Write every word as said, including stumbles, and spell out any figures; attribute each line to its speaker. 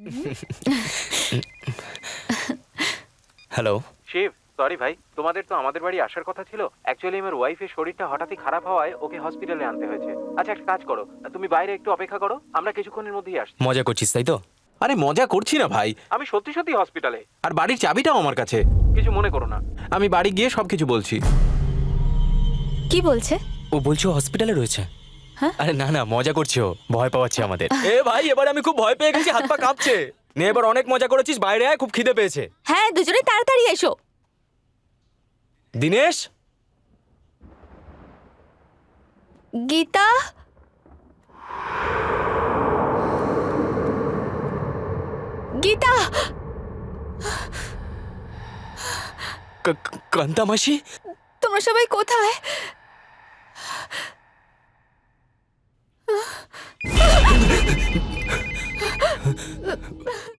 Speaker 1: Hello.
Speaker 2: Shiva, sorry ভাই, তোমাদের তো আমাদের বাড়ি আসার কথা ছিল। অ্যাকচুয়ালি আমার ওয়াইফের শরীরটা হঠাৎই খারাপ হওয়ায় ওকে হসপিটালে আনতে হয়েছে। আচ্ছা, একটা কাজ করো, তুমি বাইরে একটু অপেক্ষা করো, আমরা কিছুক্ষণের মধ্যেই আসছি।
Speaker 1: মজা করছিস তাই তো?
Speaker 3: আরে মজা করছি না ভাই,
Speaker 2: আমি সত্যি সত্যি হসপিটালে।
Speaker 3: আর বাড়ির চাবিটাও আমার কাছে।
Speaker 2: কিছু মনে করো না।
Speaker 3: আমি বাড়ি গিয়ে সবকিছু বলছি।
Speaker 4: কি বলছে?
Speaker 1: ও বলছো হসপিটালে রয়েছে।
Speaker 4: হ্যাঁ?
Speaker 1: আরে না না, মজা করছি, ও ভয় পাওয়াচ্ছে আমাদের। এ ভাই, এবার আমি খুব ভয় পেয়ে গেছি, হাত পা কাঁপছে। নে এবার অনেক মজা করেছিস, বাইরে আয়, খুব খিদে পেয়েছে।
Speaker 4: হ্যাঁ, দুজনে তাড়াতাড়ি এসো।
Speaker 1: দিনেশ,
Speaker 4: গীতা, গীতা,
Speaker 1: ক- ক- কান্তা মাসি,
Speaker 4: তোমরা সবাই কোথায়?